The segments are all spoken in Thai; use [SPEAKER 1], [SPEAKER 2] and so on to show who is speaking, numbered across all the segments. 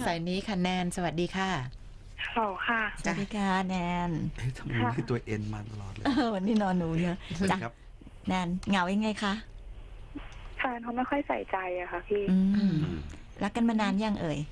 [SPEAKER 1] สายนี้ค่ะแนนสวัสดีค่ะ
[SPEAKER 2] ฮัลโหลค่ะ
[SPEAKER 3] สวัสดีค่ะแนน
[SPEAKER 4] ทำไมมีตัวเอ็นมาตลอดเลย
[SPEAKER 3] วันนี้นอนหนูเยอะจ้ะแนนเหงายังไงคะ
[SPEAKER 2] แฟนเขาไม่ค่อยใส่ใจอะค่ะพี่
[SPEAKER 3] รักกันมานานยังเอ่ย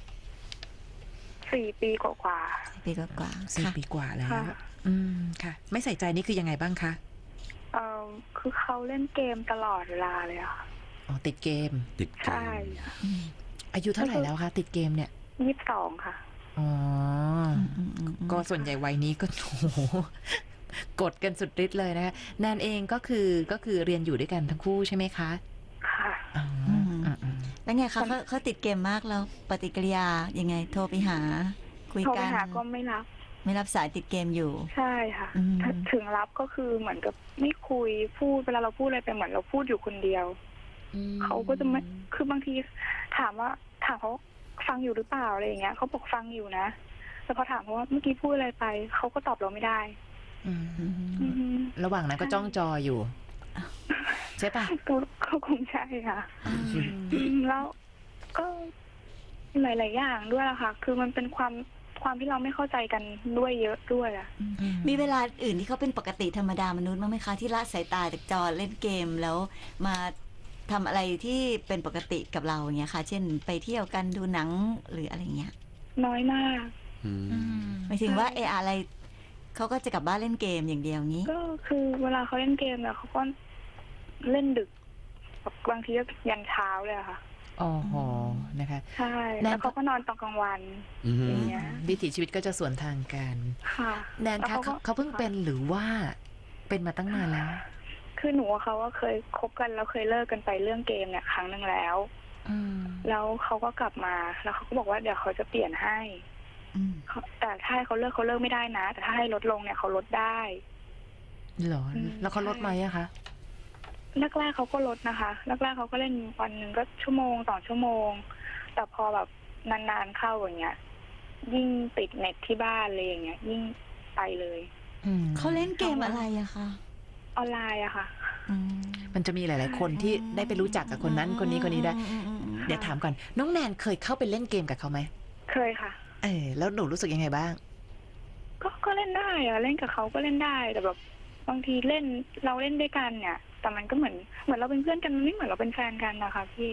[SPEAKER 2] 4 ปีกว่า
[SPEAKER 3] 4 ปีกว่า
[SPEAKER 1] 4 ปีกว่าแล้วค่ะไม่ใส่ใจนี่คือยังไงบ้างคะ
[SPEAKER 2] คือเขาเล่นเกมตลอดเวลาเลยอะ
[SPEAKER 1] อ๋อติดเกม
[SPEAKER 2] ใช่
[SPEAKER 1] อายุเท่าไหร่แล้วคะติดเกมเนี่ย
[SPEAKER 2] 22ค่ะ
[SPEAKER 1] อ๋อก็ส่วนใหญ่วัยนี้ก็โอ้โหกดกันสุดฤทธิ์เลยนะคะแนนเองก็คือเรียนอยู่ด้วยกันทั้งคู่ใช่ไหมคะ
[SPEAKER 2] ค่ะ
[SPEAKER 3] แล้วไงคะเขาติดเกมมากแล้วปฏิกิริยายังไงโทรไปหาคุยกัน
[SPEAKER 2] โทรไปหาก็ไม่รับ
[SPEAKER 3] สายติดเกมอยู่
[SPEAKER 2] ใช่ค่ะถึงรับก็คือเหมือนกับไม่คุยพูดเวลาเราพูดอะไรไปเหมือนเราพูดอยู่คนเดียวเขาก็จะไม่คือบางทีถามเขาฟังอยู่หรือเปล่าอะไรอย่างเงี้ยเขาบอกฟังอยู่นะแต่พอถามเขาว่าเมื่อกี้พูดอะไรไปเขาก็ตอบเราไม่ได้
[SPEAKER 1] ระหว่างนั้นก็จ้องจออยู่ใช่ปะ
[SPEAKER 2] ก็คงใช่ค่ะแล้วก็หลายๆอย่างด้วยล่ะค่ะคือมันเป็นความที่เราไม่เข้าใจกันด้วยเยอะด้วยอ่ะ
[SPEAKER 3] มีเวลาอื่นที่เขาเป็นปกติธรรมดามนุษย์มั้งไหมคะที่ละสายตาจากจอเล่นเกมแล้วมาทำอะไรที่เป็นปกติกับเราอย่างเงี้ยค่ะเช่นไปเที่ยวกันดูหนังหรืออะไรเงี้ย
[SPEAKER 2] น้อยมาก
[SPEAKER 3] หมายถึงว่าอะไรเขาก็จะกลับบ้านเล่นเกมอย่างเดียวงี้
[SPEAKER 2] ก็คือเวลาเขาเล่นเกมเนี่ยเขาก็เล่นดึกบางทีก็ยันเช้าเลยค่ะ
[SPEAKER 1] อ๋อนะคะ
[SPEAKER 2] ใช่แล้วเขาก็นอนตอนกลางวันอย่างเงี้ย
[SPEAKER 1] วิถีชีวิตก็จะสวนทางกัน
[SPEAKER 2] ค่ะ
[SPEAKER 1] แนนคะเขาเพิ่งเป็นหรือว่าเป็นมาตั้งนานแล้ว
[SPEAKER 2] คือหนูกับเขาว่าเคยคบกันแล้วเคยเลิกกันไปเรื่องเกมเนี่ยครั้งนึงแล้วแล้วเขาก็กลับมาแล้วเขาก็บอกว่าเดี๋ยวเขาจะเปลี่ยนให้แต่ถ้าให้เขาเลิกไม่ได้นะแต่ถ้าให้ลดลงเนี่ยเขาลดได้
[SPEAKER 1] เหรอแล้วเขาลดไหมอะคะ
[SPEAKER 2] แรกๆเขาก็ลดนะคะแรกๆเขาก็เล่นวันหนึ่งก็1 ชั่วโมง 2 ชั่วโมงแต่พอแบบนานๆเข้าอย่างเงี้ยยิ่งติดเน็ตที่บ้านเลยอย่างเงี้ยยิ่งไปเลย
[SPEAKER 3] เขาเล่นเกมอะไรอะคะ
[SPEAKER 2] ออนไลน์อะค่ะ
[SPEAKER 1] มันจะมีหลายๆคนที่ได้ไปรู้จักกับคนนั้นคนนี้ได้เดี๋ยวถามก่อนน้องแนนเคยเข้าไปเล่นเกมกับเขาไหม
[SPEAKER 2] เคยค่ะ
[SPEAKER 1] แล้วหนูรู้สึกยังไงบ้าง
[SPEAKER 2] ก็เล่นได้อะเล่นกับเขาก็เล่นได้แต่แบบบางทีเราเล่นด้วยกันเนี่ยแต่มันก็เหมือนเราเป็นเพื่อนกันมันไม่เหมือนเราเป็นแฟนกันนะคะพี่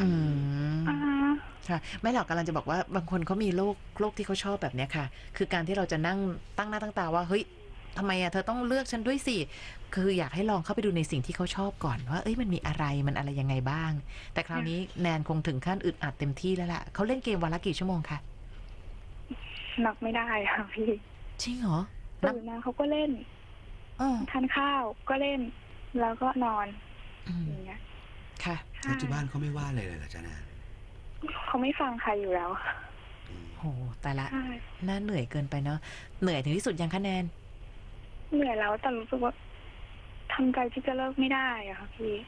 [SPEAKER 1] ค่ะไม่หรอกกำลังจะบอกว่าบางคนเขามีโรคที่เขาชอบแบบเนี้ยค่ะคือการที่เราจะนั่งตั้งหน้าตั้งตาว่าเฮ้ยทำไมเธอต้องเลือกฉันด้วยสิคืออยากให้ลองเข้าไปดูในสิ่งที่เขาชอบก่อนว่ามันมีอะไรมันอะไรยังไงบ้างแต่คราวนี้แนนคงถึงขั้นอึดอัดเต็มที่แล้วล่ะเขาเล่นเกมวันละกี่ชั่วโมงคะ
[SPEAKER 2] นับไม่ได้ค่ะพี่
[SPEAKER 1] จริงเหรอ
[SPEAKER 2] ตื่นมาเขาก็เล่นทานข้าวก็เล่นแล้วก็นอนอย่างเงี้ย
[SPEAKER 1] ค่ะ
[SPEAKER 4] ที่บ้านเขาไม่ว่าเลยเหรอจ๊ะแนน
[SPEAKER 2] เขาไม่ฟังใครอยู่แล้ว
[SPEAKER 1] โหแต่ละน่าเหนื่อยเกินไปเนาะเหนื่อยถึงที่สุดยังคะแนน
[SPEAKER 2] เหนื่อยแล้วแต่รู้สึกว่าทำใจที่จะเลิกไม่ได้อะค่ะพี่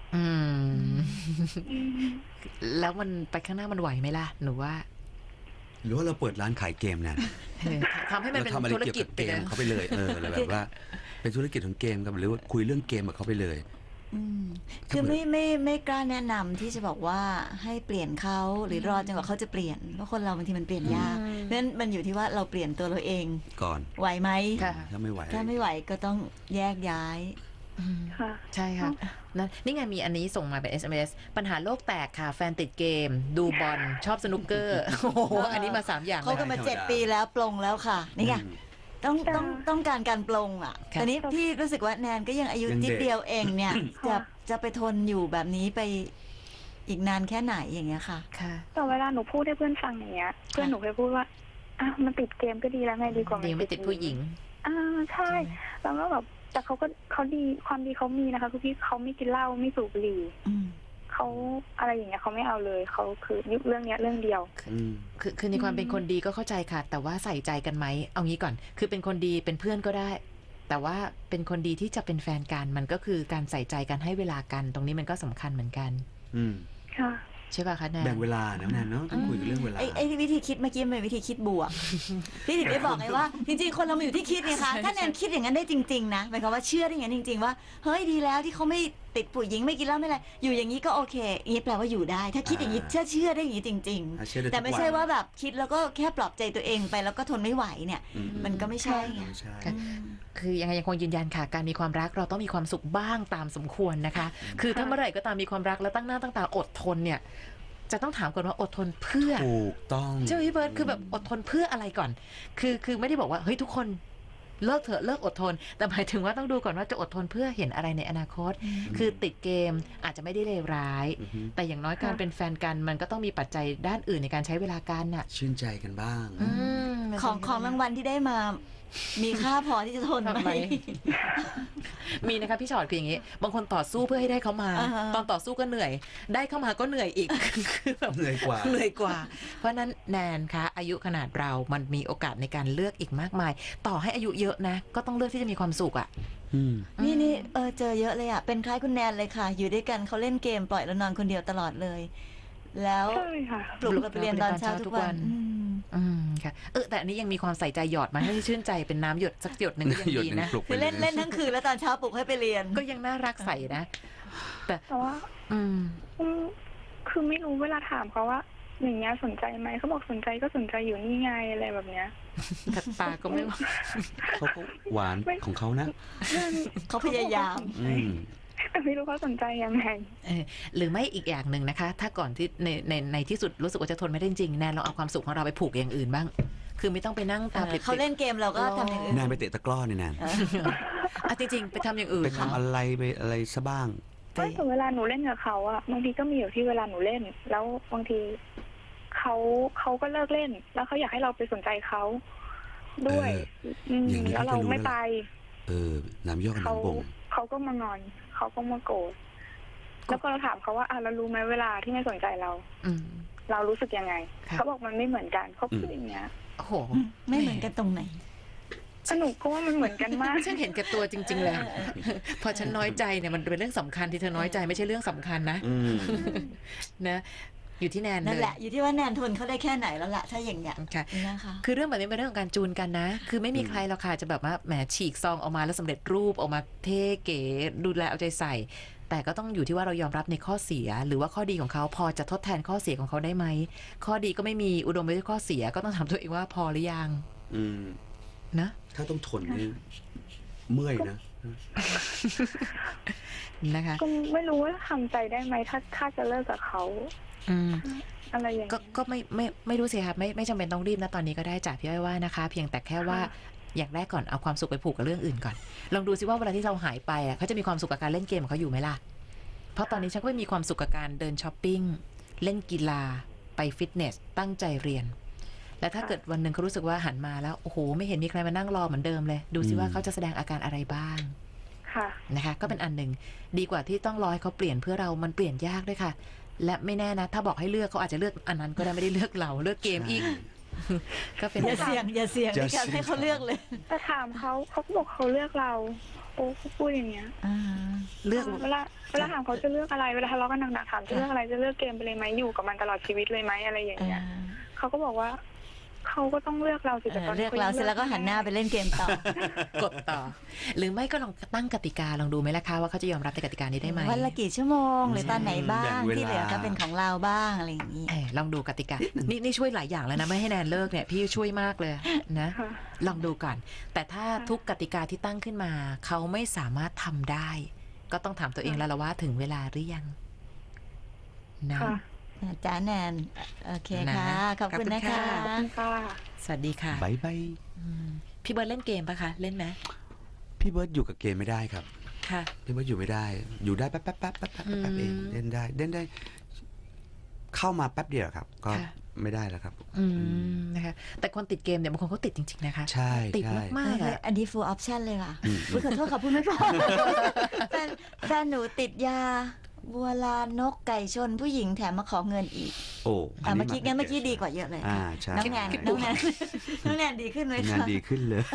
[SPEAKER 1] แล้วมันไปข้างหน้ามันไหวไหมล่ะหนูว่า
[SPEAKER 4] หรือว่าเราเปิดร้านขายเกมเนี่ย
[SPEAKER 1] ทำให้มันเป็นธุรกิจ
[SPEAKER 4] เกมเขาไปเลยอะไรแบบว่าเป็นธุรกิจของเกมกับหรือว่าคุยเรื่องเกมกับเขาไปเลย
[SPEAKER 3] คือไม่กล้าแนะนำที่จะบอกว่าให้เปลี่ยนเขาหรือรอจนกว่าเขาจะเปลี่ยนเพราะคนเราบางทีมันเปลี่ยนยากเพราะฉะนั้นมันอยู่ที่ว่าเราเปลี่ยนตัวเราเอง
[SPEAKER 4] ก่อน
[SPEAKER 3] ไหวไหม
[SPEAKER 4] ถ้าไม่
[SPEAKER 3] ไหวก็ต้องแยกย้าย
[SPEAKER 1] ใช่ค่ะนี่ไงมีอันนี้ส่งมาเป็น SMS ปัญหาโลกแตกค่ะแฟนติดเกมดูบอลชอบสนุกเกอร์โอ้โหอันนี้มา3อย่าง
[SPEAKER 3] เขากันมา7 ปีแล้วปลงแล้วค่ะนี่ไงต้องการการปลงอ่ะแต่นี้พี่รู้สึกว่าแนนก็ยังอายุนิดเดียวเองเนี่ยจะไปทนอยู่แบบนี้ไปอีกนานแค่ไหนอย่างเงี้ยค่ะ
[SPEAKER 2] แต่เวลาหนูพูดให้เพื่อนฟังอย่างเงี้ยเพื่อนหนูเคยพูดว่ามันติดเกมก็ดีแล้วไงดีกว่า
[SPEAKER 1] ไม่ติดผู้หญิง
[SPEAKER 2] ใช่แล้วก็แบบแต่เขาดีความดีเขามีนะคะคือพี่เขาไม่กินเหล้าไม่สูบบุหรี่เขาอะไรอย่างเงี้ยเขาไม่เอาเลยเขาคือยุคเรื่องเนี้ยเรื่องเดียว
[SPEAKER 1] คือในความเป็นคนดีก็เข้าใจค่ะแต่ว่าใส่ใจกันไหมเอางี้ก่อนคือเป็นคนดีเป็นเพื่อนก็ได้แต่ว่าเป็นคนดีที่จะเป็นแฟนกันมันก็คือการใส่ใจกันให้เวลากันตรงนี้มันก็สำคัญเหมือนกัน
[SPEAKER 2] ค่ะ
[SPEAKER 1] ใช่ป่ะคะแนน
[SPEAKER 4] แบ่งเวลานะแนนเนาะต้องคุยเรื่องเวลา
[SPEAKER 3] ไอ้วิธีคิดเมื่อกี้เป็นวิธีคิดบวกพี่ถึงได้บอกไงว่าจริงๆคนเรามาอยู่ที่คิดไงคะถ้าแนนคิดอย่างนั้นได้จริงๆนะหมายความว่าเชื่อได้อย่างนั้นจริงๆว่าเฮ้ยดีแล้วที่เขาติดผู้หญิงไม่กินเหล้าไม่อะไรอยู่อย่างนี้ก็โอเคอย่างนี้แปลว่าอยู่ได้ ถ้าคิดอย่างนี้เชื่อได้อย่างนี้จริง
[SPEAKER 4] เชื่อได้
[SPEAKER 3] ๆ แต่ไม่ใช่
[SPEAKER 4] ทุกน
[SPEAKER 3] ว่าแบบคิดแล้วก็แค่ปลอบใจตัวเองไปแล้วก็ทนไม่ไหวเนี่ย
[SPEAKER 4] อื
[SPEAKER 3] มันก็ไม่ใช่ไง
[SPEAKER 4] ไม่ใช่
[SPEAKER 1] ค่ะ คือยังไงยังคงยืนยันค่ะ การมีความรักเราต้องมีความสุขบ้างตามสมควรนะคะ คือถ้าเมื่อไหร่ก็ตามมีความรักแล้วตั้งหน้าตั้งตาอดทนเนี่ย จะต้องถามก่อนว่าอดทนเพื่อ
[SPEAKER 4] ถูกต้อง
[SPEAKER 1] เจ้าพี่เบิร์ดคือแบบอดทนเพื่ออะไรก่อน คือไม่ได้บอกว่าเฮ้ยทุกคนเลิกเถอะเลิกอดทน แต่หมายถึงว่าต้องดูก่อนว่าจะอดทนเพื่อเห็นอะไรในอนาคต คือติดเกมอาจจะไม่ได้เลวร้าย
[SPEAKER 4] อือฮึ
[SPEAKER 1] แต่อย่างน้อยการเป็นแฟนกันมันก็ต้องมีปัจจัยด้านอื่นในการใช้เวลากันน่ะ
[SPEAKER 4] ชื่นใจกันบ้าง
[SPEAKER 3] ของรางวัลที่ได้มา มีค่าพอที่จะทน
[SPEAKER 1] ทำ
[SPEAKER 3] ไห
[SPEAKER 1] ไม
[SPEAKER 3] ม
[SPEAKER 1] มีนะคะพี่ชอดคืออย่างนี้ บางคนต่อสู้เพื่อให้ได้เขามา
[SPEAKER 3] อ่าฮะ
[SPEAKER 1] ตอนต่อสู้ก็เหนื่อย ได้เข้ามาก็เหนื่อยอีก คือแบบ
[SPEAKER 4] เหนื่อยกว่า
[SPEAKER 1] เหนื่อยกว่า เพราะฉะนั้นแนนคะอายุขนาดเรามันมีโอกาสในการเลือกอีกมากมาย ต่อให้อายุเยอะนะ ก็ต้องเลือกที่จะมีความสุขอ่ะ
[SPEAKER 4] อืม
[SPEAKER 3] นี่เจอเยอะเลยอ่ะ เป็นคล้ายคุณแนนเลยค่ะ อยู่ด้วยกันเขาเล่นเกมปล่อยแล้วนอนคนเดียวตลอดเลย แล้ว
[SPEAKER 2] ใช่ค่ะ
[SPEAKER 3] ปลุกเราไปเรียนตอนเช้าทุกวัน
[SPEAKER 1] ค่ะแต่อันนี้ยังมีความใส่ใจหยอดมาให้ชื่นใจเป็นน้ำหยดสักหยดหนึ่งก็ยัง
[SPEAKER 4] หยด
[SPEAKER 1] ดี
[SPEAKER 4] หนึ่ง
[SPEAKER 1] นะ
[SPEAKER 4] ปลุก
[SPEAKER 3] คือเล่น
[SPEAKER 4] ไป
[SPEAKER 3] เล่นทั้งคืนแล้วตอนเช้าปลุกให้ไปเรียน
[SPEAKER 1] ก็ยังน่ารักใสนะ แต่
[SPEAKER 2] แต่ว่า
[SPEAKER 1] อืม
[SPEAKER 2] อืมคือไม่รู้เวลาถามเขาว่า อย่างเงี้ยสนใจไหมเขาบอกสนใจก็สนใจอยู่นี่ไงอะไรแบบเนี้ย
[SPEAKER 1] แต่ตาก็ไม่ว่า
[SPEAKER 4] เขาก็หวานของเขานะ
[SPEAKER 3] เขาพยายาม
[SPEAKER 4] อืม
[SPEAKER 2] แต่ไม่รู้เขาสนใจยังไง
[SPEAKER 1] หรือไม่อีกอย่างหนึ่งนะคะ ถ้าก่อนที่ในที่สุดรู้สึกว่าจะทนไม่ได้จริงแนนเราเอาความสุขของเราไปผูกอย่างอื่นบ้าง คือไม่ต้องไปนั่งตาปริบๆ
[SPEAKER 3] เขาเล่นเกมเราก็ทำอย่างอื่น
[SPEAKER 4] นานไปเตะตะกร้อเนี่ยนาน
[SPEAKER 1] อ่ะจริงๆ ไปทำอย่างอื่น
[SPEAKER 4] ไปทำอะไรไปอะไรซะบ้าง
[SPEAKER 2] ไม่แต่เวลาหนูเล่นกับเขาอะบางทีก็มีอยู่ที่เวลาหนูเล่น แล้วบางทีเขาก็เลิกเล่น แล้วเขาอยากให้เราไปสนใจเขาด้วย
[SPEAKER 4] อย่างนี้
[SPEAKER 2] แล้วเรา
[SPEAKER 4] ก็จะรู้
[SPEAKER 2] ไม่
[SPEAKER 4] แล้ว
[SPEAKER 2] ไป
[SPEAKER 4] น้ำย่อกับ
[SPEAKER 2] เขา
[SPEAKER 4] น้ำบ่ง
[SPEAKER 2] เขาก็มางอนเขาก็มาโกรธแล้วก็เราถามเขาว่าเรารู้ไหมเวลาที่ไม่สนใจเรา
[SPEAKER 1] อืม
[SPEAKER 2] เรารู้สึกยังไง
[SPEAKER 1] ค่ะ
[SPEAKER 2] เขาบอกมันไม่เหมือนกันเขาพูดอย่างเงี้ย
[SPEAKER 1] โอ้โห
[SPEAKER 3] ไม่เหมือนกันตรงไหน
[SPEAKER 2] สนุกก็ว่ามันเหมือนกันมาก
[SPEAKER 1] ฉันเห็นแก่ตัวจริง ๆ เลย พอฉันน้อยใจเนี่ยมันเป็นเรื่องสำคัญที่เธอน้อยใจไม่ใช่เรื่องสำคัญนะ
[SPEAKER 4] อืม
[SPEAKER 1] นะ อยู่ที่แนน
[SPEAKER 3] นั่น
[SPEAKER 1] เลย
[SPEAKER 3] แหละ อยู่ที่ว่าแนนทนเขาได้แค่ไหนแล้วล่ะ ถ้าอย่างเงี้ย
[SPEAKER 1] ค่ะ
[SPEAKER 3] นะคะ
[SPEAKER 1] คือเรื่องแบบนี้เป็นเรื่องของการจูนกันนะ คือไม่มีใครหรอกค่ะจะแบบว่าแหมฉีกซองออกมาแล้วสำเร็จรูปออกมาเท่เก๋ดูแลเอาใจใส่ แต่ก็ต้องอยู่ที่ว่าเรายอมรับในข้อเสีย หรือว่าข้อดีของเขาพอจะทดแทนข้อเสียของเขาได้ไหม ข้อดีก็ไม่มีอุดมไปด้วยข้อเสียก็ต้องถามตัวเองว่าพอหรือยัง
[SPEAKER 4] อืม
[SPEAKER 1] นะ
[SPEAKER 4] ถ้าต้องทนนี่เมื่อยนะ
[SPEAKER 1] นะคะ
[SPEAKER 2] ก็ไม่รู้ว่าทำใจได้ไหมถ้าจะเลิกกับเขา
[SPEAKER 1] อืม
[SPEAKER 2] อะไรอย่าง
[SPEAKER 1] ก็
[SPEAKER 2] เงี้ย
[SPEAKER 1] ก็ไม่รู้สิครับไม่จำเป็นต้องรีบนะตอนนี้ก็ได้จากพี่อ้อยว่านะคะ เพียงแต่แค่ว่า
[SPEAKER 2] ค่ะ
[SPEAKER 1] อย่างแรกก่อนเอาความสุขไปผูกกับเรื่องอื่นก่อน ลองดูซิว่าเวลาที่เราหายไปอ่ะเขาจะมีความสุขกับการเล่นเกมของเขาอยู่ไหมล่ะ เพราะตอนนี้ฉันก็ไม่มีความสุขกับการเดินช้อปปิ้งเล่นกีฬาไปฟิตเนสตั้งใจเรียน และถ้าเกิดวันหนึ่งเขารู้สึกว่าหันมาแล้วโอ้โหไม่เห็นมีใครมานั่งรอเหมือนเดิมเลย ดูซิว่าเขาจะแสดงอาการอะไรบ้าง
[SPEAKER 2] ค่ะ
[SPEAKER 1] นะคะก็เป็นอันหนึ่งดีกว่าที่ต้องรอให้เขาเปลี่ยนเพื่อเรามันเปลี่ยนยากด้วยค่ะ และไม่แน่นะ ถ้าบอกให้เลือกเขาอาจจะเลือกอันนั้นก็ได้ไม่ได้เลือกเราเลือกเกมอีก ก็เป็น
[SPEAKER 3] อย่าเสี่ยงอย่าเสี่ยง
[SPEAKER 4] อย่า
[SPEAKER 3] ในการ
[SPEAKER 4] เสี่ยง
[SPEAKER 3] ให้เขาเลือกเลย
[SPEAKER 2] แต่ถามเขาก็บอกเขาเลือกเรา โอ้เขาพูดอย่างเงี้ย
[SPEAKER 1] เลือก
[SPEAKER 2] เวลาถามเขาจะเลือกอะไรเวลาทะเลาะกันหนักๆถามจะเลือกอะไรจะเลือกเกมไปเลยไหมอยู่กับมันตลอดชีวิตเลยไหมอะไรอย่างเงี้ยเขาก็บอกว่าเขาก็ต้องเลือกเราสิแต่ตอน
[SPEAKER 3] เลื
[SPEAKER 2] นี้
[SPEAKER 3] อกเราเสร็จแล้วก็หันหน้าไปเล่นเกมต่อ
[SPEAKER 1] กดต่อ หรือไม่ก็ลองตั้งกติกาลองดูไหมล่ะคะว่าเขาจะยอมรับในกติกานี้ได้ไหม
[SPEAKER 3] วันละกี่ชั่วโมงหรือตอนไหนบ้า
[SPEAKER 4] แบ่
[SPEAKER 3] ง
[SPEAKER 4] งเวลา
[SPEAKER 3] ที่เหลือก็เป็นของเราบ้างอะไรอย่างนี้
[SPEAKER 1] ลองดูกติกา นี่ช่วยหลายอย่างแล้วนะไม่ให้แนนเลิกเนี่ยพี่ช่วยมากเลยนะ
[SPEAKER 2] ค่ะ
[SPEAKER 1] ลองดูก่อน แต่ถ้าทุกกติกาที่ตั้งขึ้นมา เขาไม่สามารถทำได้ ก็ต้องถามตัวเองแล้วล่ะว่าถึงเวลาหรือยังนะ
[SPEAKER 2] ค่ะ
[SPEAKER 3] จ้าแนน โอเค
[SPEAKER 1] นะ
[SPEAKER 3] ค่ะ ขอบคุณนะ
[SPEAKER 1] ขอบ
[SPEAKER 3] คะ
[SPEAKER 1] คุณ
[SPEAKER 2] ขอบคุณค่ะ
[SPEAKER 1] สวัสดีค่ะ
[SPEAKER 4] บายบาย
[SPEAKER 1] อืมพี่เบิร์ดเล่นเกมปะคะ เล่นไหม
[SPEAKER 4] พี่เบิร์ดอยู่กับเกมไม่ได้ครับ
[SPEAKER 1] ค่ะ
[SPEAKER 4] พี่เบิร์ดอยู่ไม่ได้ อยู่ได้แป๊บเองเล่นได้ เข้ามาแป๊บเดียวครับ ก็
[SPEAKER 1] ค่ะ
[SPEAKER 4] ไม่ได้แล้วครับ
[SPEAKER 1] นะคะแต่คนติดเกมเนี่ยบางคนเขาติดจริงๆนะคะ
[SPEAKER 4] ใช่
[SPEAKER 1] ติด
[SPEAKER 4] ใช่
[SPEAKER 1] มากๆอะ
[SPEAKER 3] อันนี้ full option เลยค่ะ
[SPEAKER 4] อืม
[SPEAKER 3] อุ๊ยขอโทษค่ะพูดไม่พอแฟนหนูติดยา บัวลานกไก่ชนผู้หญิงแถมมาขอเงินอีก
[SPEAKER 4] โอ้
[SPEAKER 3] เมื่อกี้งั้นเมื่อกี้ดีกว่าเยอะเลย
[SPEAKER 4] อ่า
[SPEAKER 3] ค่ะ
[SPEAKER 4] ใช่
[SPEAKER 3] น้องแนนน้องแนนน้องแนนดีขึ้นไหม
[SPEAKER 4] งาน
[SPEAKER 3] คะ
[SPEAKER 4] ดีขึ้นเลย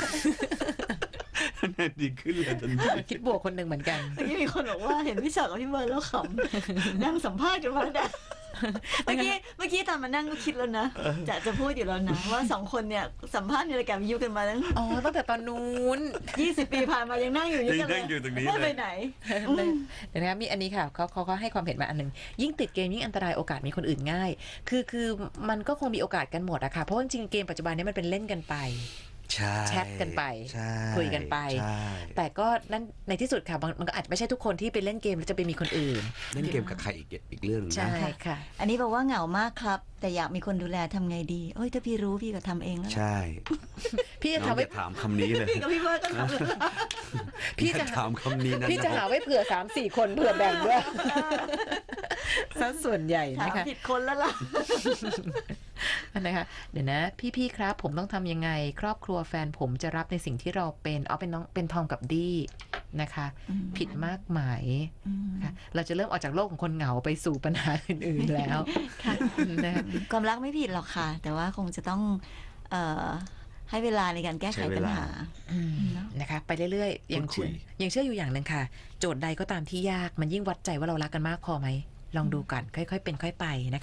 [SPEAKER 4] งานดีขึ้นเลยทันที
[SPEAKER 1] คิดบวกคนหนึ่งเหมือนกัน
[SPEAKER 3] เมื่อกี้มีคนบอกว่าเห็นพี่ชอตกับพี่เบิร์ดแล้วขำนั่งสัมภาษณ์กันมาแล้วเมื่อกี้ตอนมานั่งก็คิดแล้วนะจะพูดอยู่แล้วนะว่า2คนเนี่ยสัมภาษณ์ในรายการวิทยุกันมาตั้ง
[SPEAKER 1] อ๋อตั้งแต่ตอนนู้น
[SPEAKER 3] 20 ปีผ่านมายังนั่งอยู่ด้วยกันเลย
[SPEAKER 4] ยังนั่งอยู่ตรงนี้
[SPEAKER 3] ไม่
[SPEAKER 4] เลย
[SPEAKER 3] ไปไหน
[SPEAKER 1] เดี๋ยวนะครับมีอันนี้ค่ะเขาให้ความเห็นมาอันหนึงยิ่งติดเกมยิ่งอันตรายโอกาสมีคนอื่นง่าย คือมันก็คงมีโอกาสกันหมดอะค่ะเพราะว่าจริงๆเกมปัจจุบันนี้มันเป็นเล่นกันไป
[SPEAKER 4] ใช่
[SPEAKER 1] แชทกันไป
[SPEAKER 4] ใช่
[SPEAKER 1] คุยกันไป
[SPEAKER 4] ใช่
[SPEAKER 1] แต่ก็นั่นในที่สุดค่ะมันก็อาจจะไม่ใช่ทุกคนที่ไปเล่นเกมแล้วจะไปมีคนอื่น
[SPEAKER 4] เล่นเกมกับใครอีกเรื่องหนึง
[SPEAKER 1] ใช่
[SPEAKER 4] นะ
[SPEAKER 1] ค่ะ
[SPEAKER 3] อันนี้บอกว่าเหงามากครับ แต่อยากมีคนดูแลทำไงดีโอ้ยถ้าพี่รู้พี่ก็ทำเองแล้วล่ะ
[SPEAKER 4] ใช่
[SPEAKER 1] พี่จะ
[SPEAKER 4] น้อง
[SPEAKER 1] ทำไว้
[SPEAKER 4] อย่าถามคำนี้เลย
[SPEAKER 3] พี่กับพี่เบิร์ดก็ทำเลย
[SPEAKER 1] พี่
[SPEAKER 4] อย่า
[SPEAKER 1] จะ
[SPEAKER 4] ถามคำนี้นะ
[SPEAKER 1] พี่จะหาไว้เผื่อ 3-4 คนเผื่อแบ่งด้วยซะส่วนใหญ่
[SPEAKER 3] ถาม
[SPEAKER 1] นะคะ
[SPEAKER 3] ผิดคนแล้วล่ะ
[SPEAKER 1] อันนะคะเดี๋ยวนะพี่ครับผมต้องทำยังไง ครอบครัวแฟนผมจะรับในสิ่งที่เราเป็นเป็นน้องเป็นทอมกับดี้นะคะ
[SPEAKER 3] อืม
[SPEAKER 1] ผิดมากไหมาย
[SPEAKER 3] อืม
[SPEAKER 1] ค่ะเราจะเริ่มออกจากโลกของคนเหงาไปสู่ปัญหาอื่นๆแล้ว
[SPEAKER 3] ค่ะ
[SPEAKER 1] นะคะ
[SPEAKER 3] ความรักไม่ผิดหรอกค่ะ แต่ว่าคงจะต้องเอ่อให้เวลาในการแก้ไขปัญหา
[SPEAKER 1] อืม
[SPEAKER 3] เนอะ
[SPEAKER 1] นะคะไปเรื่อยๆยังเชื่อยังเชื่ออยู่อย่างหนึ่งค่ะ โจทย์ใดก็ตามที่ยากมันยิ่งวัดใจว่าเรารักกันมากพอไหมลองดูก่อนค่อยๆเป็นค่อยไปนะคะ